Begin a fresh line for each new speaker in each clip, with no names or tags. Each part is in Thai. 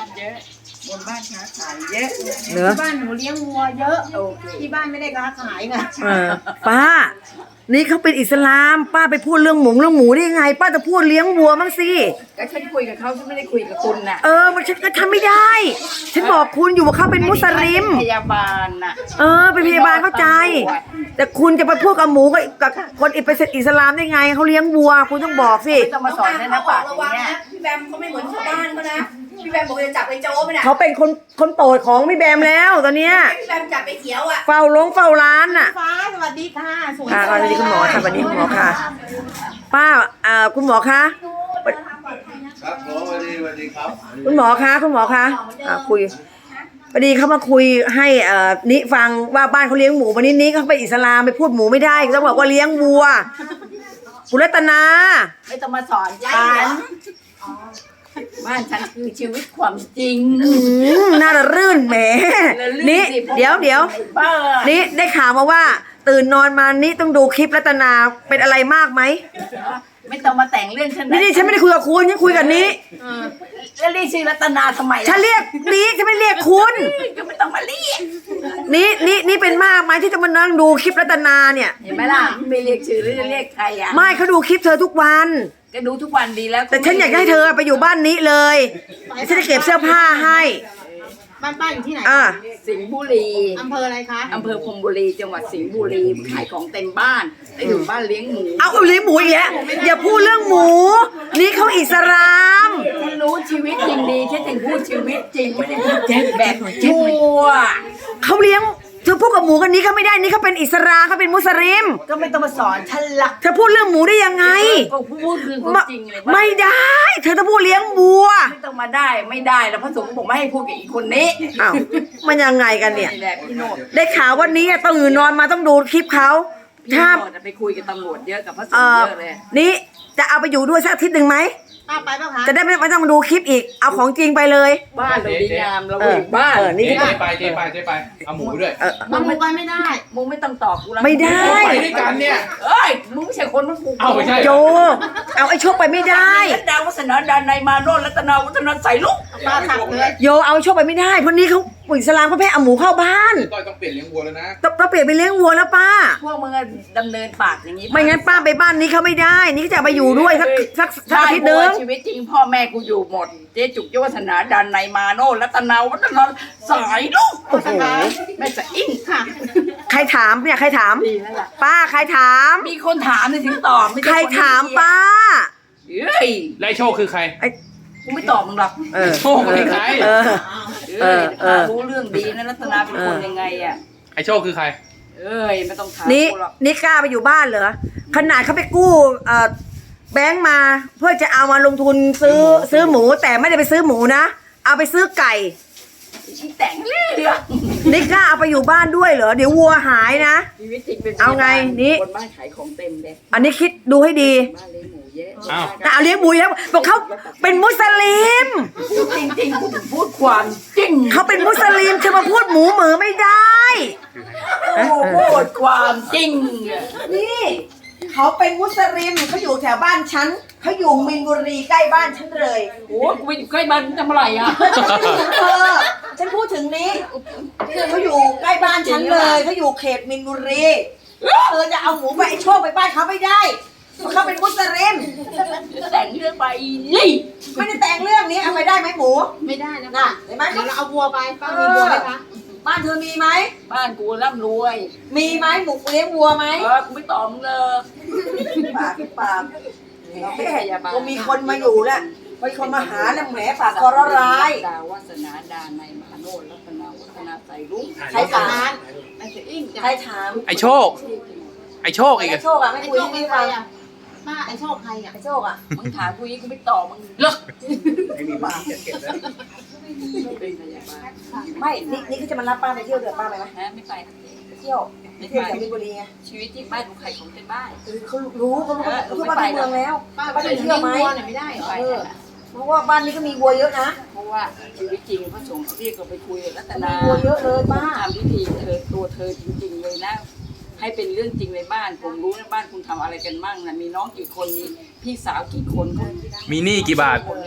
านเยอะบนบ้านค้าขายเยอะ
เหรอ
ที่บ้านหนูเลี้ยงวัวเยอะ
โอเค
ที่บ้านไม่ได้ค้าขายไง
ป้า นี่เขาเป็นอิสลาม ป้าไปพูดเรื่องหมูได้ยังไง ป้าจะพูดเลี้ยงวัวมั้งสิ
ก็ฉันคุยกับเขาฉันไม่ได้คุยกับคุณน่ะ
มันฉันก็ทำไม่ได้ ฉันบอกคุณอยู่ว่าเขาเป็นมุสลิม
พยาบาลน่ะ
เป็นพยาบาลเข้าใจ แต่คุณจะไปพูดกับหมูกับคนเป็นอิสลามได้ไงเขาเลี้ยงวัว คุณต้องบอกสิ
ไม่ต้องมาสอนนะปากอย่างเงี้ย
พี่แบมเขาไม่เหมือนชาวบ้านเขานะพี่แบมบอกจะจับไอ้โจ้ไปน่ะ
เขาเป็นคนโปรดของพี่แบมแล้วตอนเนี้ย
พี่แบมจับไอ้เขียวอ่ะ
เฝ้าร้านน่ะ
ฟ้าสวัสดีค่ะสวย
ค่ะสวัสดีคุณหมอค่ะสวัสดีคุณหมอค่ะ ป้าคุณหมอคะ
ครับหมอสวัสดีครับ
คุณหมอคะคุยพอดีเขามาคุยให้นิฟังว่าบ้านเขาเลี้ยงหมูวันนี้นิเขาไปอิสลามไปพูดหมูไม่ได้ต้องบอกว่าเลี้ยงวัวคุณรัตนา
ไม่ต้องมาสอนฉันบ้านฉันคือชีวิตความจริง
น่าจะรื่นแหมนี่เดี๋ยว
บ้า
นี่ได้ข่าวมาว่า ตื่นนอนมานี่ต้องดูคลิปรัตนาเป็นอะไรมากไหม
ไม่ต้องมาแต่งเรื่องฉัน
นี่ฉันไม่ได้คุยกับคุณฉันคุยกับนี้
แล้วเรียกชื่อรัตนาทำไม
ฉันเรียกนี้ฉันไม่เรียกคุณ
ก็ไม่ต้องมาเรียก
นี่เป็นมากไหมที่จะมานั่งดูคลิปรัตนาเนี่ย
เห็นไหมล่ะไม่เรียกชื่อหรือจะเรียกใครอ่ะ
ไม่เขาดูคลิปเธอทุกวัน
ก็ดูทุกวันดีแล้ว
แต่ฉันอยากให้เธอไปอยู่บ้านนี้เลยฉันจะเก็บเสื้อผ้าให้
บ้านป้าอยู่ที่ไหน
สิงห์บุรี
อำเภออะไรคะ
อำเภอพรหมบุรีจังหวัดสิงห์บุรีขายของเต็มบ้านแต่อยู่บ้านเลี้ยงหมู
เอาเลี้ยงหมูอีกแล้วอย่าพูดเรื่องหมู นี่เขาอิสลาม
ฉันรู้ชีวิตจริงดีฉันถึงพูดชีวิตจริงไม่ได้พูดแบบชั่ว
เขาเลี้ยงเธอพูดกับหมูกันนี้เขาไม่ได้นี่เขาเป็นอิสลามเขาเป็นมุสลิม
ก็ไม่ต้องมาสอนฉันละ
เธอพูดเรื่องหมูได้ยังไง
ก็พูดคือความจริงเลย
ไม่ได้ เธอต้องพูดเลี้ยงวัว
ไม่ต้องมาได้ไม่ได้แล้วพระสงฆ์บอกไม่ให้พูดกับอีกคนนี้
อ้าวมันยังไงกันเนี่ย
นี่แหละพี่โนด
ได้ข่าววันนี้ตื่นนอนมาต้องดูคลิปเขา
พี่
ถ้า
โนดไปคุยกับตำรวจเยอะกับพระสงฆ์เยอะเลย
นี่จะเอาไปอยู่ด้วยสักอาทิตย์หนึ่งไหม
ป้าไปป่ะคะ
จะได้ไม่ต้องดูคลิปอีกเอาของจริงไปเลย
บ้านเราดีงามเราอยู่บ้าน
นี่
เจ๊ไปเอาหมูด้วย
มันหมูไปไม่ได้
มึงไม่ต้องตอบกูแล้ว
ไม่ได้
ไปด้วยกันเนี่ย
เอ้ยมึงไม่ใช่คนมันกู
เอาไม่ใช่
โจเอาไอ้โชคไปไม่ได้
ดาววัฒนาดานในยมาโนรัตนาวัฒนาใส่ลูก
ป้าขับเลย
โยเอาไอ้โชคไปไม่ได้เพราะนี้เขาอิสลามเขาแพ้เอาหมูเข้าบ้าน
ต้อยต้องเปลี่ยนเลี้ยงวัวแล้วนะ
ต้องเปลี่ยนไปเลี้ยงวัวแล้วป้า
พวกมึงอะดำเนินปากอย่างนี้
ไม่งั้นป้าไปบ้านนี้เขาไม่ได้ นี่ก็จะไปอยู่ด้วยสักอาทิตย์หนึง
ชีวิตจริงพ่อแม่กูอยู่หมด เจ๊จุกเจ้าวัฒนาดานในยมาโนรัตนาวัฒนาสายลูก
โอ้โห
แม่จะอิ่งค่ะ
ใครถามเนี่ยใครถาม
ดีแล้วล่ะ
ป้าใครถาม
มีคนถามเลยถึงตอบไม่
ใคร
ช่น
ถามป้า
เฮ้ย
ไล่โชคคือใคร
กูไม่ตอบมึงหรอก
โชคคือใคร
เอ้ยรู้เรื่องดีนะรัตนาเป็นคนยังไงอ่ะ
ไอโชคคือใคร
เอ้ยไม่ต้องถาม
นี่
กูหรอก
นี่กล้าไปอยู่บ้านเหรอขนาดเขาไปกู้แบงค์มาเพื่อจะเอามาลงทุนซื้อหมูแต่ไม่ได้ไปซื้อหมูนะเอาไปซื้อไก่
ที่แต่งเรื่อง
นี่กล้าเอาไปอยู่บ้านด้วยเหรอเดี๋ยววัวหายนะ
ชีวิตจริงเป็น
เอาไงนี่
คนบ้านขายของเต็มเลย
อันนี้คิดดูให้ดี
บ้านเลี้ยงหมูเยอะ
อ้าว
แต่เอาเลี้ยงหมูแล้วบอกเขาเป็นมุสลิม
จริงๆกูถึงพูดความจริง
เขาเป็นมุสลิมจะมาพูดหมูเหมือไม่ได้
กูพูดความจริง
นี่เขาเป็นมุสลิมเขาอยู่แถวบ้านฉันเขาอยู่มินบุรีใกล้บ้านฉันเลย
โอ้กูไปอยู่ใกล้บ้านทำอะไรอ่ะ
ฉันพูดถึงนี้เขาอยู่ใกล้บ้านฉันเลยเขาอยู่เขตมินบุรีเธอจะเอาหมูไปไอ้โชคไปบ้านเขาไม่ได้เพราะเขาเป็นมุสลิม
แต่งเรื่องไปยี่
ไม่ได้แต่งเรื่องนี้เอาไปได้ไหมหมู
ไม่ได้นะ
น่ะ
คะ
เห็นไหม
เดี๋ยวเราเอาวัวไปป้ามีวัวไหมคะ
บ้านเธอมีไหม
บ้านกูร่ำรวย
มีไหมหมูเลี้ยงวัวไหม
กูไม่ตอบมึงเลย
ปากเราไม่พยาบาลก็มีคนมาอยู่แล้วมีคนมาหาแล้วแหมปากคอร้าย
ดาวัฒนาดานในยมาโนรัตนาวัฒนาใส่ลูก
ใครถาม
ไอ้เสียอิ่ง
ใครถาม
ไอโชค ไอโชคอีก
ไอ้
อะ
โชคอะไม่
ไอ้
คุย
โชค
ให้
เป็น
พี่
ใคร
ฟัง
อ่ะป้าไอ้โชคใครอ่ะ
ไอ้โชคอะ
มึงถามกูยี่กูไม่ตอบมึงเลิกเป็นพยาบาล
ไม่นี่เขาจะมารับป้าไปเที่ยวเดือป้าไปไหม
นะไม่ไป
ไปเที่ยวไปเที่ยวแถวมินบุรีไง
ชีวิตที่บ้านกูใครของเป็นบ้าน
เขารู้เขาบ้านเมืองแล้ว
ป้า
ป้า
ไป
ไป
เที่
เที่
ย
ยว วไหม
วัวเนี่ยไม่ได้เหรอ
ไป
เพราะว่าบ้านนี้ก็มีวัวเยอะนะ
เพราะว่าชีวิตจริงพระสงฆ์เรียกเราไปคุยรัต
มี
นา
วัวเยอะเลยป้า
ทำพิธีตัวเธอจริงๆเลยนะ ให้เป็นเรื่องจริงในบ้านผมรู้นะบ้านคุณทำอะไรกันมั่งนะมีน้องกี่คนมีพี่สาวกี่คน
มีหนี้กี่บาท
คนเลย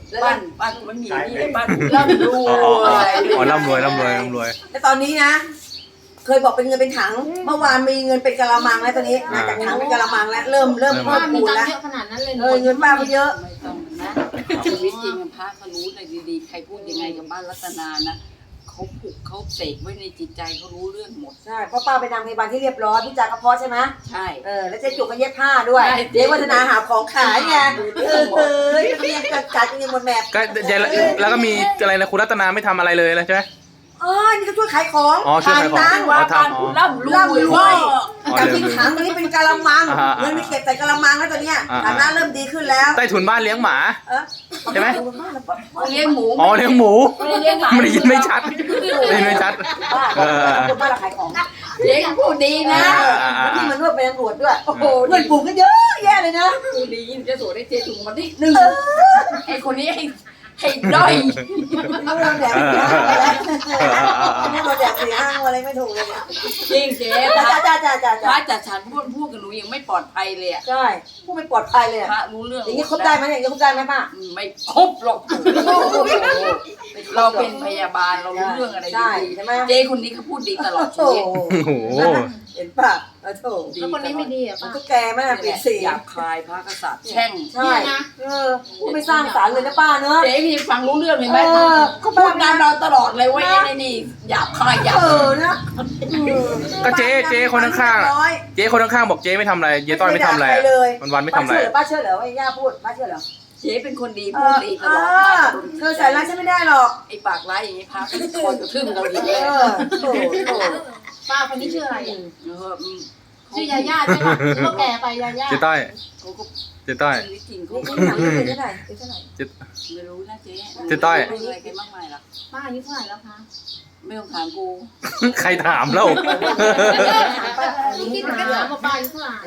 บ้านกูไม่มีนี่บ้านกูร่ำรว
อ๋ออ๋ออ๋
ย
อร่ำรวยร่ำรวยร่ำรวย
แล้วตอนนี้นะ เคยบอกเป็นเงินเป็นถัง เมื่อวานมีเงินเป็นกะละมังแล้วตอนนี้นะจากถังเป็นกะละมังแล้วเริ่มเพิ่
ป้าม มี
พูน
ตัง
แล้ว
ค์เยอะขนาดนั้นเลย
เงินป้าไปเยอะ
ไม่ต้องนะชีวิตจริงพระเขารู้ในดีๆใครพูดยังไงกับบ้านรัตนานะเขาผูกเขาเสกไว้ในจิตใจเขารู้เรื่องหมด
ใช่เพราะป้าไปนางพยาบาลที่เรียบร้อยพี่จากระเพาะใช่ไหม
ใช่
แล้วเจ๊จุกก็เย็บผ้าด้วย
ใช่
เจ๊วัฒนาหาของขายไงกัดกันยังหมดแมพ
ก็แล้วก็มีอะไรนะคุณรัตนาไม่ทำอะไรเลยนะใช่ไหม
อ๋อนี่ก็ช่วยขายของ
อ๋อช่วยขายของ
ตังค์
ว่าบ้านกูร่ำร
ร่ำร
ว
วย
ย
จากที่ถังตอนนี้เป็นกะละมัง
อ่า
เงินมีเก็บใส่กะละมังแล้วตอนเนี้ย
อ่า
ฐานะเริ่มดีขึ้นแล้ว
ใต้ถุนบ้านเลี้ยงหมา ใช่ไหม
เลี้ยงหมู
อ๋อเลี้ยงหมู
ไม่ได้เลี้ยงหมา
ไม่ได้ยินไม่ชัดได้ยินไม่ชัด
ป้า
เออ
คนบ้านเราขายของ
เลี้ยงพูดดีนะ
แล้วที่มันนวดเป็นตำรวจด้วยโอ้โหเงินปลูกก็เยอะแยะเลยนะ
พูดดีจะสวยได้เจถุงมาที่หนึ่งไอ้คนนี้ให้ด้อย
เอาเราแดกสี่ห้างอะไรเราแดกสี่ห้างอะไรไม่ถูกเลยเนี่ย
จริงเจ๊
จ้า
พระ
จ้าจ้าจ้า
พ
จ้า
ระจัดสรรพูดกับหนูยังไม่ปลอดภัยเลยอ่ะ
ใช่ผู้ไม่ปลอดภัยเลย
พระรู้เรื่อง
อย่างนี้คบได้ไหมอย่างนี้คบได้ไหมป้า
ไม่ครบหรอกเราเป็นพยาบาลเรารู้เรื่องอะไร
ใช่
ดี
ใช่ไหม
ๆเจ๊คนนี้เขาพูดดีตลอดชี
โอ้
วิต
โอ้โห
เห็นป่ะโถ
แล้วคนนี้ไม่ดีอ่ะ
มัน
ป้า
ก็แก่มากปีสี่
หยาบคายพระกษัตริย์แช่ง
ใช่พูดไม่สร้างสรรค์เลยนะป้าเนอะ
เจ๊พี่ฟังรู้เรื่องเลยไหม
ก็
พูดตามเราตลอดเลยว่าไอ้นี่หยาบคายหยาบ
นะ
ก็เจ๊คนข้างๆเจ๊คนข้างๆบอกเจ๊ไม่ทำอะไรเจ๊ต้อยไม่ทำอะไรวันไม่ทำอะไร
ป้าเชื่อเหรอว่าย่าพูดป้าเชื่อเหรอ
เจ๊เป็นคนดีพูดดีตลอด
เธอใส่ร้ายฉันไม่ได้หรอก
ไอ้ปากร้ายอย่างนี้พระก็คอยกระทืบเราดีเลย
โถ
ป้าคนนี้ชื่ออะไรอ่ะ
ชื่
ชื่อยาย่าใช่ป่ะก็แก่ไปยาย่า
เจ๊ต้อย
เขาก็
เจ๊ต้อย
ชีวิตจริงเขา
นี่
ไม่
ถามเป็นเท่าไหร่เป็นเท่าไหร่
ไม่รู้นะเจ๊
เจ๊ต้อย
ไม่รู้อะไรกันมากมายหรอก
ป้าอายุเท่าไหร่แล้วคะ
ไม่ต้องถามกู
ใครถามแล้ว
คิดถึงกันถามว่าป้าอายุเท่าไหร่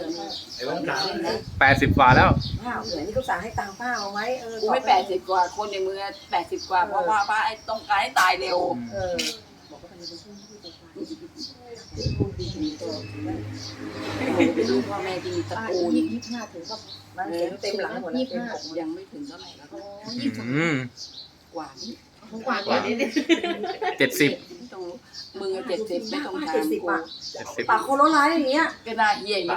80กว่าแล้ว
ป้าเหมือนนี่เขาสั่งให้ตังค์ป้าเอาไหม
กูไม่80 กว่าคนในเมือง80 กว่าเพราะว่าป้าไอ้ต้องการให้ตายเร็ว เป็นลูกพ่อแม่ที่มีตระ
ป้า
กูล
25ถึงก็
มันเต็มหลังหมดแล้ว
ยังไม่ถึงเท่าไหร่แล้ว
อืม
กว่านี้
กว่านี้
70
ไม่ต้องรู้มึง70ไม่ต้องถามกู
ปากโคโรร้ายอย่างเงี้ย
ก็น่าเหี้ยอย่างนี้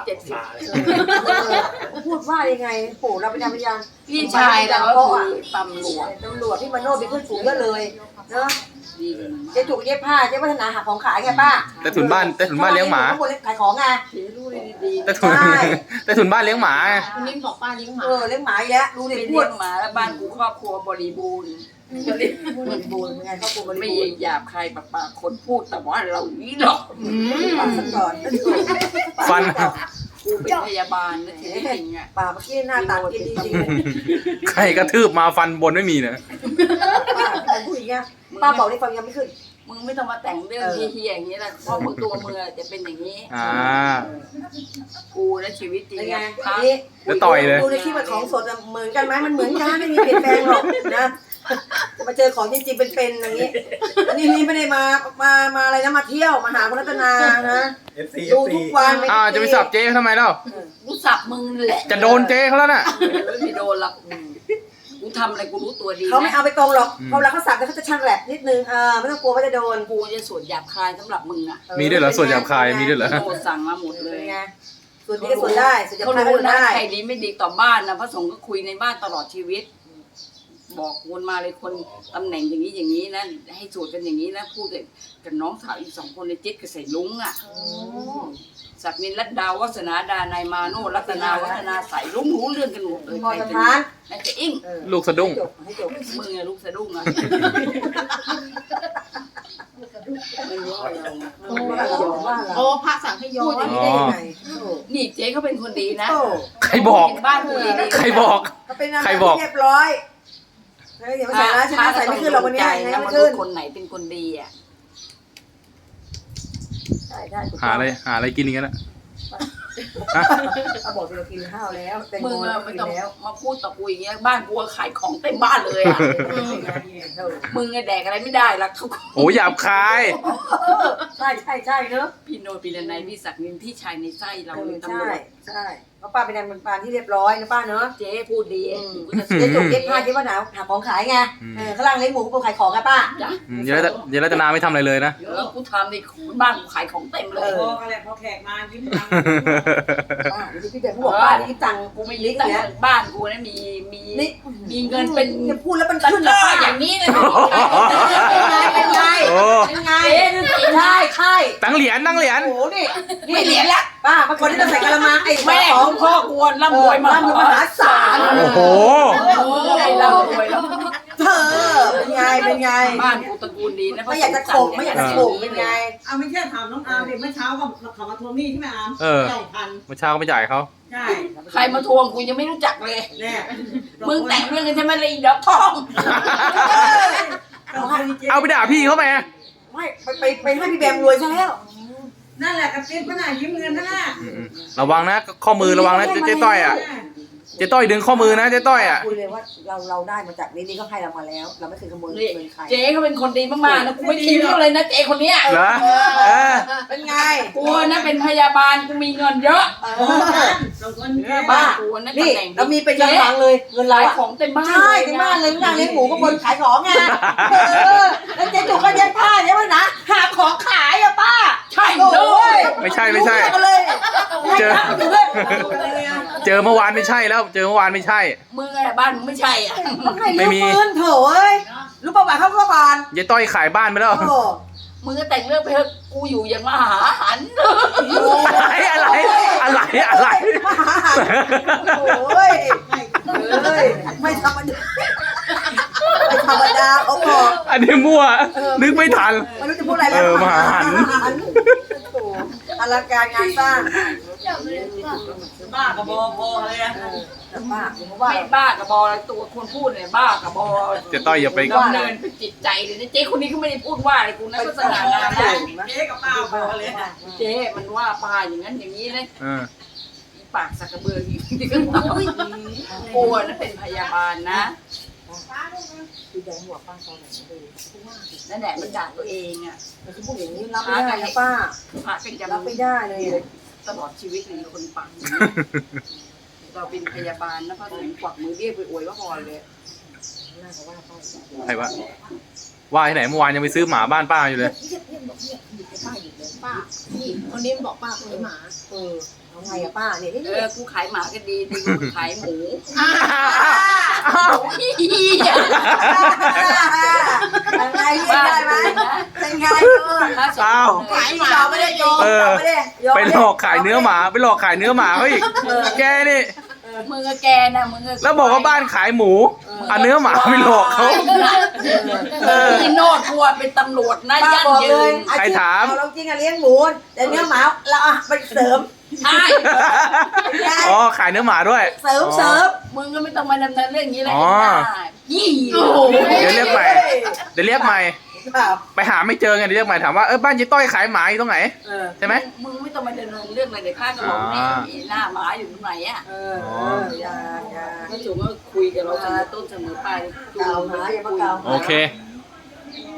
70
พูดว่ายังไงโหเราเป็นพยาน
พี่ชายเราก็คือตำรวจ
ตำรวจที่มาโน่เป็นเพื่อนฝูงก็เลยเนาะ
ดี
เจ๊จุกเย็บผ้าเจ๊วัฒนาหาของขายไงป้า
ใต้ถุนบ้านเลี้ยงหมา
ขายของไง
เจ๊รู้เลยดี
ใต้ถุนบ้านเลี้ยงหมา
คนนี้บอกป้าเลี้ยงหมา
เลี้ยงหมาอีกแล้วดูดิ
เป็น
พู
เลี้
ด
ยงหมาแล้วบ้านกูครอบครัวบริบูรณ์
บริบูรณ์ไงครอบครัวบริ
ไม่
บูรณ์
หยาบใครปากคนพูดแต่ว่าเรานี้หรอก
ปากสักก่อน
ฟัน
กูเป็นพยาบาลนะทีจริงอ่ะ
ปากเมื่อกี้หน้าตากินจริงๆ
ใครกระทืบมาฟันบนไม่มีนะ
ป้าพูดอย่างเงี้ยป้าบอกได้ฟังยังไม่ขึ้น
มึงไม่ต้องมาแต่งเรื่องเฮี้ยๆอย่างนี้นะเพราะมึงตัวมึงจะเป็นอย่างนี้
อ่า
กูและชีวิตจริง
เป็นไง
พระ
นี่
แล้วต่อยเลย
ดูในคลิปของสดเหมือนกันไหมมันเหมือนกันไม่มีเปลี่ยนแปลงหรอกนะจะมาเจอของจริงๆเป็นๆอย่างนี้อันนี้ไม่ได้มาอะไรนะมาเที่ยวมาหาคุณรัตนานะดูทุกวัน
จะไปสับเจ๊เขาทำไมเล่า
กูสับมึงแหละ
จะโดนเจ๊เขาแล้วน่ะ
ไม่โดนหรอกกูทำอะไรกูรู้ตัวดี
เขาไม่เอาไปตรงหรอกพอเวลาเขาสับแล้วเขาจะช่างแหลบนิดนึงไม่ต้องกลัวว่าจะโดน
กูจะสวดหยาบคายสำหรับมึงอ่ะ
มีด้วยเหรอส่วนหยาบคายมีด้วยเหรอ
โทษสั่งมาหมดเลย
ไงส่วนนี้ก็ส่วนได้ส่วนจะ
เขา
พา
รู้
ก็
นะ
ได้
ใครดีไม่ดีต่อบ้านนะพระสงฆ์ก็คุยในบ้านตลอดชีวิต บอกวนมาเลยคนตำแหน่งอย่างนี้นะให้สวดกันอย่างนี้นะพูดกับน้องสาวอีก2 คนในจิ๊ดกับใส่ลุงอ่ะศักดินรัตดาวัฒนาดานายมาโนรัตนาวัฒนาใส่ลุงรู้เรื่องกันหมดเลย
พอสถาน
ไอ้จะอิ่ง
ลูกสะดุ้ง
ให้จบ
มึงอะลูกสะดุ้งอะไม่รู้อะไรเรา
โอ้พระสั่งให้ย้อ
พูด
น
อย่างนี้ได้ยังไง
นี่เจ๊เขาเป็นคนดีนะ
ใครบอก
บ้านกูดี
ใครบอก
เขาเป็นนางแบบเรียบร้อยเดี๋ยวมาใส่ร้ายฉันใส่ไม่ขึ้นหรอกวันนี้ยังไง
นะ
ไม่
มนุ
ขึ้
ษ
น
ย์คนไหนเป็นคนดีอ่ะ
ใช่
หาอะไรกินอย่างนั้นอะฮะ
เขาบอกเรากินข้าวแล้วแตง
มึ
โม
ง
เรา
ไม่
กิน
ต้อง
แล้ว
มาพูดต่อกูอย่างเงี้ยบ้านกูขายของเต็มบ้านเลยอ่ะมึงแดกอะไรไม่ได้ละเขา
โอ้หยาบคาย
ใช่เนอะ
พี่โนพี่นันไนพี่ศักดิ์นินพี่ชายในไส้เรา
ใช่
ตำรวจ
ใช่เพราะป้าเป็นนางปานที่เรียบร้อยนะป้าเนาะ
เจ๊พูดดี
เจ๊จุกเจ๊ผ้าเจ๊ว่าหนาวหาของขายไงข้างล่างเลี้ยงหมูก็ขายของไงป้า
จ้ะ
เยรัตนาไม่ทำอะไรเลยนะ
แล้วกูทำในบ้านกูขายของเต็มเลย
พออะไรพอแขกมายิ้มตัง
ป้าพี่เด็กเขาบอกป้านี่ตังค์
กูไม่ลิกแต่บ้านกูนะมีเงินเป็น
จะพูดแล้วมัน
ตะ
ขึ้น
ก
นะ
ร้า
ป้า
อย่างนี้เลย
เป็นไง
โอ้
เป็นไงใช่ใช่
ตั้งเหรียญ
โอ้โหนี่
ไม่เหรียญละ
ป้าบางคนที่ต้องใส่กะละมังไอ้
แม่
ข
ข
อ
อง งพ่อกวนร่ำรวยมาก
มหาศาล
โอ้โห
ไอ้ร่ำรวยแล้ว
เธอเป็นไงเป็นไง
บ้านกูตระกูลดีนะ
ไม่อยากจะโขกไม่อยากจะโขกเป็นไง
เอาไม่ใช่ถามน้องอาร์มเด็กเมื่อเช้าก็เขามาทวงหนี้ใช่ไหมอาร์ม
เออ
2,000
เมื่อเช้าก็ไม่จ่ายเขา
ใช่
ใครมาทวงกูยังไม่รู้จักเลย
แน่
มึงแต่งเรื่องกันใช่ไหมเลยดอกทอง
เอาไปด่าพี่เขาไหม
ไม่ไปให้พี่แบมรวยซะแล้ว
นั่นแหละกระติ๊บขนาดยิ้มเงินนั่นแหละ
ระวังนะข้อมือระวังนะเจ๊ต้อยอ่ะเจ๊ต้อยดึงข้อมือนะเจ๊ต้อยอ่ะ
คุยเลยว่าเราได้มาจากนี่ก็ให้เรามาแล้ว เราไม่เคยขโมย
นี่
เงินใคร
เจ๊เขาเป็นคนดีมากๆนะกูไม่ทิ้งเขาเลยนะเจ๊คนเนี้ย
เหรอเออ
เป็นไง
กูนะเป็นพยาบาลกูมีเงินเยอะ
สองคน
บ้านกูนะ
นี่
ตำแหน่ง
เรามีเป็นกำลังเลยเงิน
หลา
เรา
ยของเต็มบ้าน
ใช่ถึงบ้านเลยนั่งเลี้ยงหมูก็บนขายของไงแล้วเจ๊จุกก็เย็บผ้าใช่ไหมนะหาของขายอะป้า
ใช่
โอ้
เลย
ไม่ใช่
เลย
เจอ เจอเมื่อวานไม่ใช่แล้ว เจอเมื่อวานไม่ใช่
มึงอะไรบ้านมึงไม่ใช่อ่ะ
ไม่มีปืนโถเอ้ยรู้ประวัติเขาก็ก่อน
เจ๊ต้อยขายบ้านไปแล้ว
โอ้
มึงก็แต่งเรื่องไปเถอะกูอยู่อย่างมหาหัน
อะไร
โอ้ยเอ้ยไม่ธรรมดาไม่ธรรมดาเขาบอก
อันนี้มั่ว นึกไม่ทัน
ไม่รู้จะพูดอะไรแล้ว
มหาหัน
โอ้อลังการงานสร้าง
บ้ากระบอกพอเลยอะ
ป้าผมว่า
ไม่บ้ากับบออะไรตัวคนพูดเนี่ยบ้ากับบอ
เจ๊ต้อยอย่าไป
ดำเนินเป็นจิตใจเลยนะเจ๊คนนี้เขาไม่ได้พูดว่าอะไรกูนะก็สง่างามนะ
เจ๊กับป้าพอเลยอะ
เจ๊มันว่าปลาอย่างนั้นอย่างนี้นะ
เออ
ปากสักกระเบืออีกที่ก็กลัวนะเป็นพยาบาลนะ
คือแดงหัวป้าตอนไหนเลย
นั่นแหละมันด่าตัวเองอ่ะ
มันคือพูดอย่างนี้รับไม่ได้นะป้า
พระเป็นจะ
รับไม่ได้เลย
ตลอดชีวิตเลยคนปังเราเป็นพยาบาลนะพระสงฆ์กวักมือเรียกไปอวยว่าพอเลย
น่าจะว่าป้า
ใครวะว่าที่ไหนเมื่อวานยังไปซื้อหมาบ้านป้าอยู่เลย
ป้านี่คนนี้บอกป้าคนนี้หมา
เอาไงอะป้าเนี่ยนี่
กูขายหมาก็ดีดีกูขายหมู
ยังไงเรียกได้ไหมเป็นไง
อ้าว
ขายหมาไม่ได้โยมไม่ได้
ไปหลอกขายเนื้อหมาไปหลอกขายเนื้อหมาเขาอีกแกนี่
มึงกับแกนะมึง
แล้วบอกว่าบ้านขายหมูเอาเนื้อหมาไปหลอกเขา
พี่โนดกลัวเป็นตำรวจนะ
ป้า
ยั่ง
บอก
ยื
เลย
น
เราจริงอะเลี้ยงหมูแต่เนื้อหมาเราอะไปเสริม
ใช่
อ๋อขายเนื้อหมาด้วย
เสริม
มึงก็ไม่ต้องมาดำเนินเรื่องนี้เลย
อ๋อ
ยี่
เดี๋ยวเรียกใหม่ เดี๋ยวเรียกใหม่ ไปหาไม่เจอไงเดี๋ยวเรียกใหม่ถามว่าบ้านเจ๊ต้อยขายหมาอยู่ตรงไหนใช่ไหม
มึงไม่ต้องมาดำเนินเรื่องอะไรเดี๋ยวข้าจะบอกแม่หน้าหมาอยู่ตรงไหนอ่ะ
อย่า
ก็จุ๋มก็คุยกับเราเสมอต้นเสมอปลาย
เก่าหาอย่ามาเก่า
โอเค
เ